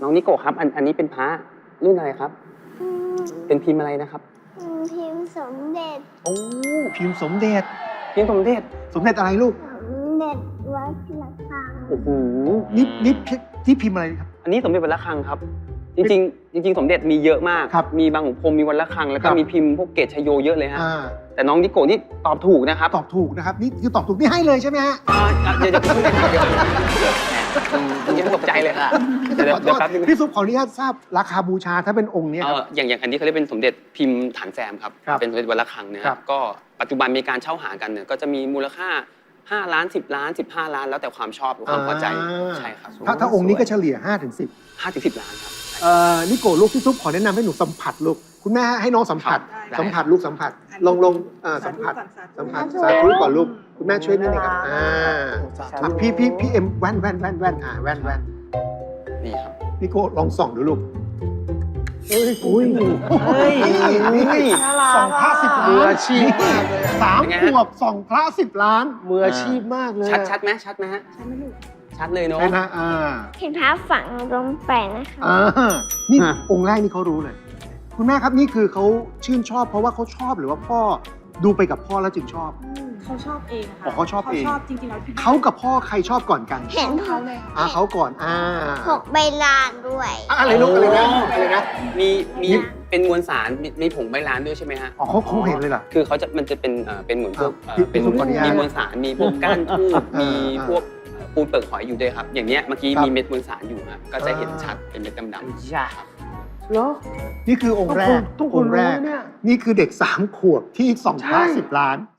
น้องนิโกะครับอันนี้เป็นพระรุ่นอะไรครับ เป็นพิมพ์อะไรนะครับพิมพ์สมเด็จโอ้พิมพ์สมเด็จพิมพ์สมเด็จสมเด็จอะไรลูกสมเด็จวัดระฆังโอ้โหนี่ที่พิมพ์อะไรครับอันนี้สมเด็จวัดระฆังครับ จริงๆสมเด็จมีเยอะมากครับมีบางขุนพรหมมีวัดระฆังแล้วก็ครับมีพิมพ์พวกเกศชโยเยอะเลยฮะอ่าแต่น้องนิโกะนี่ตอบถูกนะครับตอบถูกนะครับนี่คือตอบถูกนี่ให้เลยใช่ไหมฮะเดี๋ยวพูดเลยครับเดี๋ยวยังตกใจเลยค่ะเดี๋ยวขอโทษแป๊บนึงพี่ซุปขออนุญาตทราบราคาบูชาถ้าเป็นองค์เนี้ยครับอย่างอันนี้เขาเรียกเป็นสมเด็จพิมพ์ฐานแซมครับครับเป็นสมเด็จวัดระฆังนะคครัรับบ ก็ปัจจุบันมีการเช่าหากันเนี่ยก็จะมีมูลค่า5 ล้าน10 ล้าน15 ล้านแล้วแต่ความชอบหรือความพอใจใช่ครับถ้าองค์นี้ก็เฉลี่ย5 ถึง 10 5 ถึง 10 ล้านครับนิโกลูกพี่ซุปขอแนะนำให้หนูสัมผัสลูกคุณแม่ให้น้องสัมผัสได้สัมผัสลูกสัมผัสลงสัมผัสสัมผัสสาธุก่อนลูกคุณแม่ช่วยนิดนึงครับพี่เอ็มแว่นแว่นนี่ครับนิโกลองส่องดูลูกอุ้ยนี่ส่องพระ10 ล้านมืออาชีพมากเลยอะ 3 ขวบส่องพระ10 ล้านมืออาชีพมากเลยชัดไหมชัดไหมฮะชัดเลยเนาะใช่นะเห็นพระฝังลงไปนะคะนี่องค์แรกนี่เขารู้เลย คุณแม่ครับนี่คือเขาชื่นชอบเพราะว่าเขาชอบหรือว่าพ่อดูไปกับพ่อแล้วจึงชอบเขาชอบเองค่ะอ๋อเขาชอบเองเขาชอบจริงๆแล้วเขากับพ่อใครชอบก่อนกันเห็นพเขากเลยเขาก่อนพกใบลานด้วยอะไรลูกอะไรนะมีเป็นมวลสารมีผงใบลานด้วยใช่ไหมฮะอ๋อเขาเห็นเลยเหรอคือมันจะเป็นเหมือนพวกพี่ซุปขออนุญาตมีมวลสารมีพวกก้านทูบอ่ามีมีพวกปูนเปลือกหอยอยู่ด้วยครับ อย่างเนี้ยเมื่อกี้ครับมีเม็ดมวลสารอยู่ฮะก็จะเห็นชัดเป็นเม็ดดำๆจ้าครับเหรอนี่คือองค์แรกทุกคอน งค์แรรู้กเนี่ยนี่คือเด็ก3 ขวบที่ส่องพระ10 ล้าน